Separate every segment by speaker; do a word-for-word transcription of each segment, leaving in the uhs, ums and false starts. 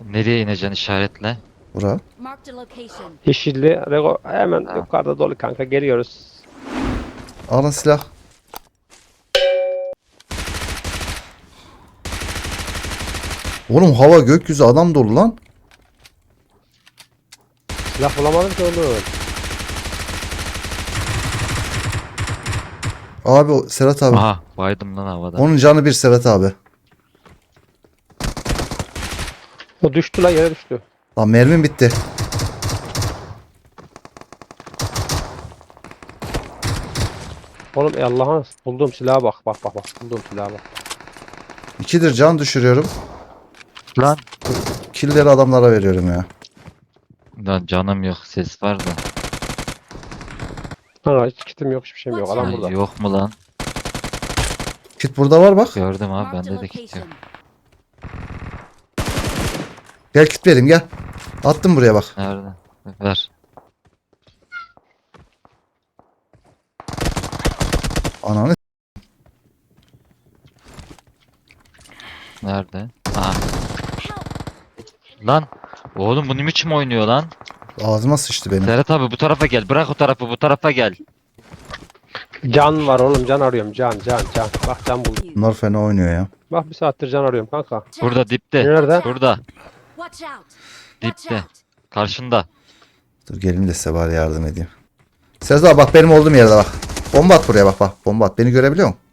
Speaker 1: Nereye ineceksin işaretle?
Speaker 2: Bura.
Speaker 3: Marked a location.
Speaker 4: Yeşilli. Rego hemen
Speaker 1: Ha.
Speaker 4: yukarıda dolu kanka. Geliyoruz.
Speaker 2: Alın silah. Oğlum hava gökyüzü adam dolu lan.
Speaker 4: Silah bulamadım ki oğlum.
Speaker 2: Abi o Serhat abi.
Speaker 1: Aha baydım lan havada.
Speaker 2: Onun canı bir Serhat abi.
Speaker 4: O düştü lan, yere düştü.
Speaker 2: Lan mermim bitti.
Speaker 4: Oğlum ey Allah'ın bulduğum silaha bak. Bak bak bak. Bulduğum silaha bak.
Speaker 2: İkidir can düşürüyorum.
Speaker 1: Lan.
Speaker 2: Killleri adamlara veriyorum ya.
Speaker 1: Lan canım yok ses var da.
Speaker 4: Ha, hiç kitim yok, hiçbir şeyim yok. Adam
Speaker 1: Ay,
Speaker 4: burada.
Speaker 1: yok mu lan?
Speaker 2: Kit burada var bak.
Speaker 1: Gördüm abi
Speaker 3: Marked a
Speaker 1: bende de kit yok.
Speaker 3: location.
Speaker 2: Gel kit vereyim gel. Attım buraya bak.
Speaker 1: Nerede? Ver.
Speaker 2: Ananı.
Speaker 1: Nerede? Aha. Lan. Oğlum bu ne biçim oynuyor lan?
Speaker 2: Ağzıma sıçtı benim.
Speaker 1: Serhat abi bu tarafa gel. Bırak o tarafı bu tarafa gel.
Speaker 4: Can var oğlum, can arıyorum. Can can can. Bak can buldum.
Speaker 2: Bunlar fena oynuyor ya.
Speaker 4: Bak bir saattir can arıyorum kanka.
Speaker 1: Burada dipte.
Speaker 4: Nerede?
Speaker 1: Burada.
Speaker 3: Watch out. Watch
Speaker 1: Dipte.
Speaker 3: out.
Speaker 1: Karşında.
Speaker 2: Dur gelin de size bari yardım edeyim. Serhat abi bak benim olduğum yerde bak. Bomba at buraya bak bak. Bomba at. Beni görebiliyor musun?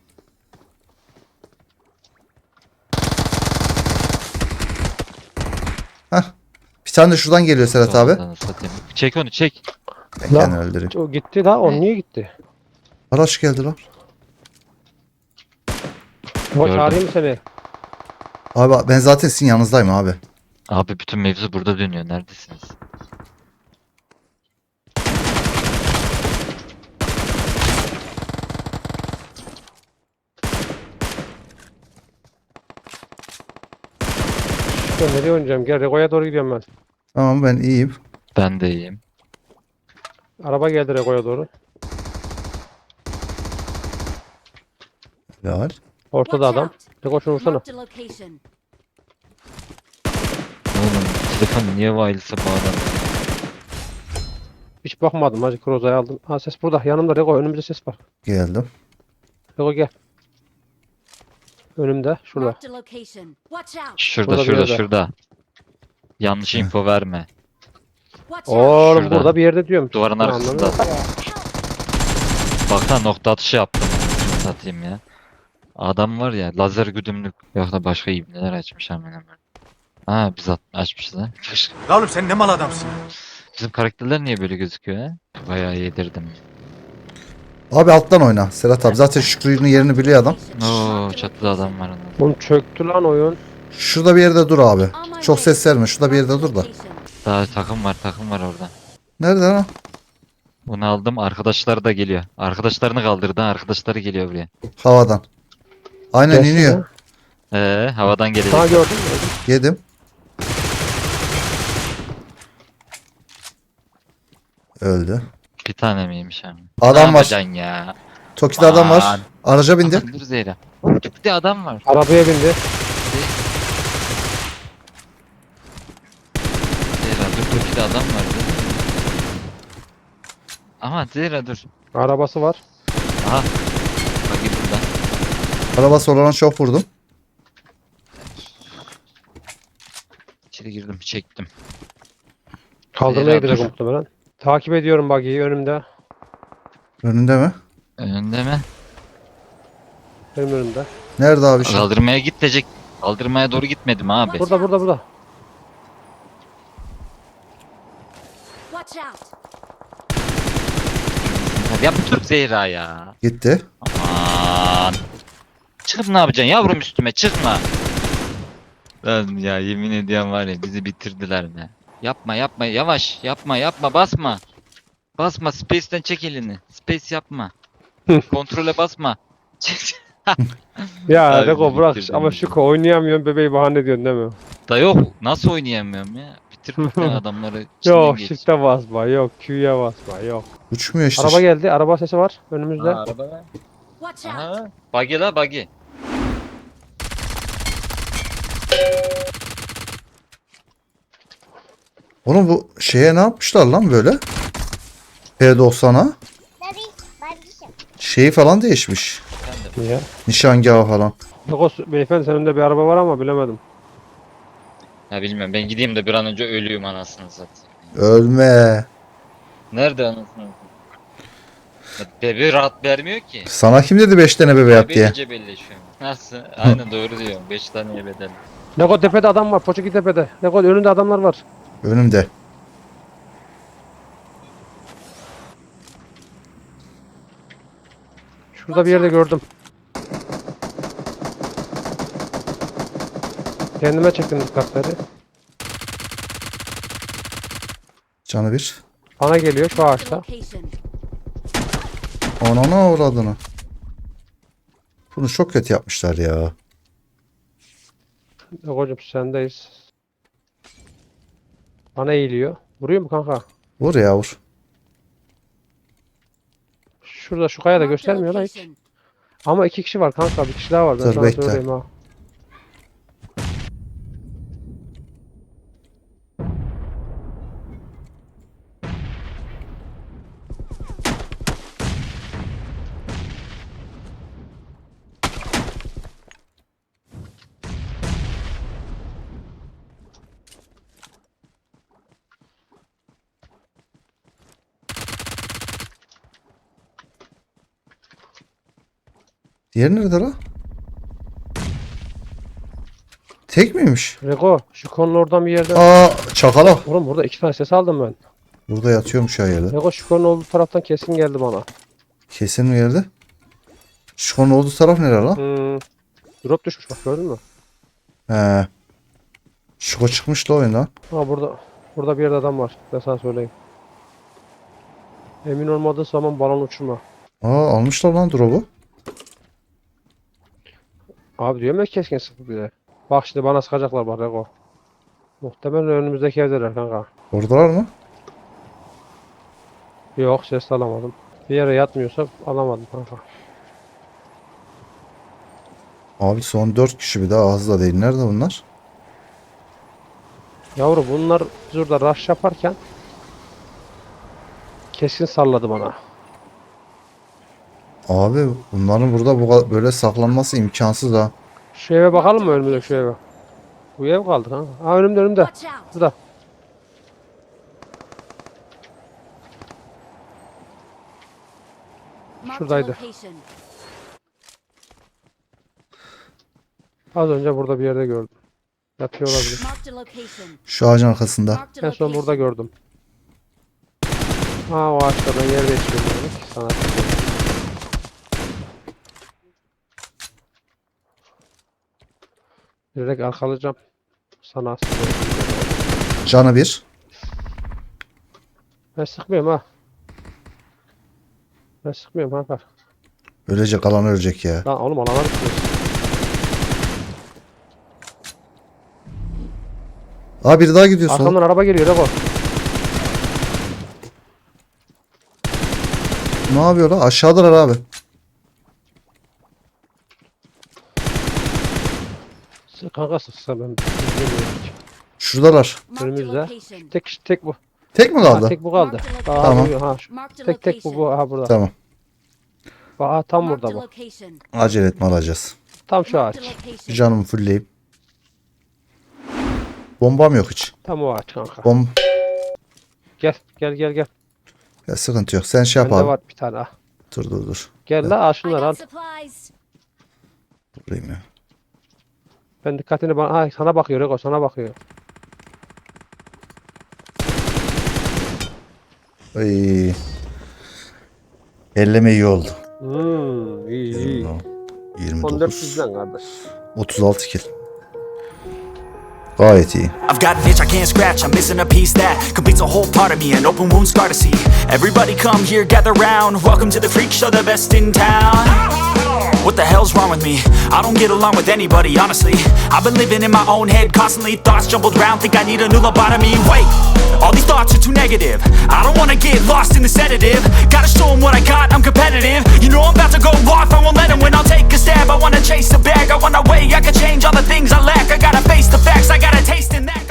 Speaker 2: Hah. Bir tane de şuradan geliyor Serhat abi.
Speaker 1: Anasını satayım. Çek onu çek.
Speaker 2: Ben
Speaker 4: Lan.
Speaker 2: kendimi öldüreyim.
Speaker 4: O gitti la, o niye gitti?
Speaker 2: Araç geldi lan.
Speaker 4: O
Speaker 1: Gördüm.
Speaker 4: çağırayım mı seni?
Speaker 2: Abi ben zaten sizin yanınızdayım abi.
Speaker 1: Abi bütün mevzu burada dönüyor. Neredesiniz?
Speaker 4: Ben nereye oynayacağım? Gel Rego'ya doğru gidiyorum ben.
Speaker 2: Tamam ben iyiyim.
Speaker 1: Ben de iyiyim.
Speaker 4: Araba geldi Rego'ya doğru.
Speaker 2: Helal.
Speaker 4: Ortada
Speaker 3: Watch
Speaker 4: adam.
Speaker 3: out.
Speaker 4: Rego şunu vursana.
Speaker 3: Marked a location.
Speaker 1: Oğlum telefon niye wireless'a bağlandı?
Speaker 4: Hiç bakmadım. Hacı Croza'yı aldım. Ha, ses burada. Yanımda Rego. Önümüzde ses var.
Speaker 2: Geldim.
Speaker 4: Rego gel. Önümde. Şurada.
Speaker 3: Marked a location. Watch out.
Speaker 1: Şurada
Speaker 4: Burada bir
Speaker 1: şurada
Speaker 4: yerde.
Speaker 1: şurada. Yanlış info verme.
Speaker 3: Watch out.
Speaker 4: Oğlum
Speaker 1: Şurada.
Speaker 4: burada bir yerde diyorum.
Speaker 1: Duvarın
Speaker 4: Ben
Speaker 1: arkasında.
Speaker 4: anlamadım.
Speaker 1: Baksana nokta atışı yaptım. Şunu satayım ya. Adam var ya lazer güdümlük. Yok da başka ibneler açmış hemen hemen. Ha biz at açmışız ha.
Speaker 5: La oğlum sen ne mal adamsın.
Speaker 1: Bizim karakterler niye böyle gözüküyor ha? Bayağı yedirdim.
Speaker 2: Abi alttan oyna Serhat abi. Zaten Şükrü'nün yerini biliyor adam.
Speaker 1: Oo çatıda adam var onun.
Speaker 4: Oğlum çöktü lan oyun.
Speaker 2: Şurada bir yerde dur abi.
Speaker 3: On my
Speaker 2: Çok
Speaker 3: way.
Speaker 2: ses verme. Şurada bir yerde dur da.
Speaker 3: Location.
Speaker 1: Daha takım var takım var orada.
Speaker 2: Nerede lan?
Speaker 1: Bunu aldım arkadaşları da geliyor. Arkadaşlarını kaldırdı arkadaşları geliyor buraya.
Speaker 2: Havadan. Aynen
Speaker 4: Gelsin
Speaker 2: iniyor.
Speaker 4: ya.
Speaker 1: Ee havadan gelecek.
Speaker 4: Sana gördün mü?
Speaker 2: Yedim. Öldü.
Speaker 1: Bir tane miymiş abi?
Speaker 2: Adam
Speaker 1: ne
Speaker 2: var.
Speaker 1: yapacaksın ya?
Speaker 2: Toki'de adam var.
Speaker 1: Aman.
Speaker 2: Araca bindi.
Speaker 1: Dur Zeyra. Tüpte adam var.
Speaker 4: Arabaya bindi.
Speaker 1: Zeyra dur Tüpte adam var. Dur. Ama Zeyra dur.
Speaker 4: Arabası var.
Speaker 1: Aha. Bak git buradan.
Speaker 2: Arabası olana çok vurdum.
Speaker 1: İçeri girdim çektim.
Speaker 4: Kaldırmaya
Speaker 1: Zehra,
Speaker 4: gidecek
Speaker 1: dur.
Speaker 4: muhtemelen. Takip ediyorum buggy'yi önümde.
Speaker 2: Önünde mi?
Speaker 1: Önünde mi?
Speaker 4: Benim önümde.
Speaker 2: Nerede abi şu?
Speaker 1: Kaldırmaya git diyecek. Kaldırmaya doğru gitmedim abi.
Speaker 4: Burada burada burada.
Speaker 3: Watch out.
Speaker 1: Yap dur Zehra ya.
Speaker 2: Gitti.
Speaker 1: Aman. Çıkıp ne yapacaksın yavrum üstüme çıkma. Lan ya yemin ediyorum var ya bizi bitirdiler ne. Yapma yapma yavaş yapma yapma basma. Basma space'ten çek elini. Space yapma. Kontrole basma.
Speaker 4: Ya
Speaker 1: Abi
Speaker 4: Rego bırak
Speaker 1: bitirdin
Speaker 4: ama
Speaker 1: bizi.
Speaker 4: Şuko oynayamıyorum bebeği bahane ediyorsun değil mi?
Speaker 1: Da yok nasıl oynayamıyorum ya. Bitirdik ya adamları. içinden
Speaker 4: Yok
Speaker 1: geç.
Speaker 4: shift'e basma, yok Q'ya basma, yok.
Speaker 2: Uçmuyor işte.
Speaker 4: Araba geldi, araba sesi var önümüzde.
Speaker 1: Ha, araba.
Speaker 3: Watch out.
Speaker 1: Aha. Buggy la buggy.
Speaker 2: Oğlum bu şeye ne yapmışlar lan böyle? P doksan'a. Şeyi falan değişmiş.
Speaker 4: Niye?
Speaker 2: Nişangahı falan.
Speaker 4: Yok o beyefendi senin önünde bir araba var ama bilemedim.
Speaker 1: Ya bilmiyorum, ben gideyim de bir an önce ölüyüm anasını satayım.
Speaker 2: Ölme.
Speaker 1: Nerede anasını satayım? Ya bebe rahat vermiyor ki.
Speaker 2: Sana kim dedi beş tane bebe yap diye?
Speaker 1: Bebeyle cebelleşiyorum. Nasıl? Aynen doğru diyorum. beş tane bedel.
Speaker 4: Lego tepede adam var. Poçaki tepede. Lego önünde adamlar var.
Speaker 2: Önümde.
Speaker 4: Şurada bir yerde gördüm. Kendime çektim dikkatleri.
Speaker 2: Canı bir.
Speaker 4: Bana geliyor şu
Speaker 3: Marked a
Speaker 4: ağaçta.
Speaker 3: location.
Speaker 2: Anana uğradığını. Bunu çok kötü yapmışlar ya.
Speaker 4: Lego'cum sendeyiz. Bana eğiliyor. Vuruyor mu kanka?
Speaker 2: Vur ya vur.
Speaker 4: Şurada şu kayada
Speaker 3: Marked a
Speaker 4: göstermiyorlar hiç.
Speaker 3: location.
Speaker 4: Ama iki kişi var kanka. Bir kişi daha var. Ben
Speaker 2: Dur,
Speaker 4: sana
Speaker 2: bekle.
Speaker 4: söyleyeyim ha.
Speaker 2: Diğeri nerede lan? Tek miymiş?
Speaker 4: Lego şu konunun oradan bir yerde.
Speaker 2: Aa çakala.
Speaker 4: Oğlum burada iki tane ses aldım ben.
Speaker 2: Burada yatıyormuş ya yerde.
Speaker 4: Lego şu konunun olduğu taraftan kesin geldi bana.
Speaker 2: Kesin mi yerde? Şu konu olduğu taraf nere lan?
Speaker 4: Hmm. Drop düşmüş bak gördün mü?
Speaker 2: He. Şuko çıkmış da oyundan.
Speaker 4: Ha burada burada bir yerde adam var. Ben sana söyleyeyim. Emin olmadığın zaman balon uçurma.
Speaker 2: Aa almışlar lan drop'u.
Speaker 4: Abi diyorum ya keskin sıkı bir de. Bak şimdi bana sıkacaklar bak Lego. Muhtemelen önümüzdeki evdeler kanka.
Speaker 2: Oradalar mı?
Speaker 4: Yok ses alamadım. Bir yere yatmıyorsa alamadım kanka.
Speaker 2: Abi son dört kişi bir daha az da değil. Nerede bunlar?
Speaker 4: Yavru bunlar biz orada rush yaparken keskin salladı bana.
Speaker 2: Abi bunların burada bu kadar- böyle saklanması imkansız ha.
Speaker 4: Şu eve bakalım mı önümüzde şu eve? Bu ev kaldı kanka. Ha önümde önümde.
Speaker 3: Watch out.
Speaker 4: Burada.
Speaker 3: Marked a
Speaker 4: Şuradaydı.
Speaker 3: location.
Speaker 4: Az önce burada bir yerde gördüm. Yatıyor olabilir.
Speaker 3: Marked a location.
Speaker 2: Şu ağacın arkasında.
Speaker 3: Marked a
Speaker 4: En son burada
Speaker 3: location.
Speaker 4: gördüm. Ha o ağaçta ben yer değiştiriyorum demek ki sana. Direkt arkalayacağım. Sana sıkıyorum.
Speaker 2: Canı bir.
Speaker 4: Ben sıkmıyorum ha. Ben sıkmıyorum kanka.
Speaker 2: Ölecek alan ölecek ya.
Speaker 4: Lan oğlum alana düşüyorsun.
Speaker 2: Aa biri daha gidiyor
Speaker 4: Arkamdan
Speaker 2: sola.
Speaker 4: araba geliyor Rego.
Speaker 2: Ne yapıyor lan? Aşağıdalar abi.
Speaker 4: Sık kanka sıksa ben bilmiyorum hiç.
Speaker 2: Şuradalar.
Speaker 3: Marked a
Speaker 4: Önümüzde.
Speaker 3: location.
Speaker 4: Tek tek bu.
Speaker 2: Tek mi
Speaker 4: Ha,
Speaker 2: kaldı?
Speaker 4: tek bu kaldı. Aha,
Speaker 2: Tamam.
Speaker 4: bu- ha, şu-
Speaker 3: Marked a
Speaker 4: tek tek bu bu
Speaker 3: location.
Speaker 4: aha burada.
Speaker 2: Tamam.
Speaker 4: Bak, aha, tam
Speaker 3: Marked
Speaker 4: burada
Speaker 3: a
Speaker 4: bu.
Speaker 3: location.
Speaker 2: Acele etme alacağız.
Speaker 4: Tam şu ağaç.
Speaker 3: Marked a location.
Speaker 2: Canımı fullleyeyim. Bombam yok hiç.
Speaker 4: Tam o ağaç kanka.
Speaker 2: Bom
Speaker 4: Gel gel gel gel.
Speaker 2: ya sıkıntı yok. Sen şey yap
Speaker 4: Bende
Speaker 2: abi.
Speaker 4: var bir tane ha.
Speaker 2: Dur dur dur.
Speaker 4: Gel la al
Speaker 3: I
Speaker 4: şunları al.
Speaker 3: got supplies.
Speaker 2: Durayım ya.
Speaker 4: Ben dikkatini bana ha, sana bakıyor Rego sana bakıyor.
Speaker 2: Ay. Elleme iyi oldu.
Speaker 4: Hmm, iyi iyi.
Speaker 2: yirmi
Speaker 4: on dört
Speaker 2: dokuz.
Speaker 4: bizden kardeş.
Speaker 2: otuz altı kill. Gayet iyi.
Speaker 6: I've got an itch I can't scratch, I'm missing a piece that completes a whole part of me, an open wound scar to see. Everybody come here, gather round, welcome to the freak show, the best in town. What the hell's wrong with me? I don't get along with anybody, honestly. I've been living in my own head constantly, thoughts jumbled round, think I need a new lobotomy. Wait, all these thoughts are too negative. I don't wanna get lost in the sedative. Gotta show them what I got, I'm competitive. You know I'm about to go off, I won't let them win, I'll take a stab. I wanna chase the bag, I wanna weigh, I can change all the things I lack. I gotta face the facts, I got a taste in that.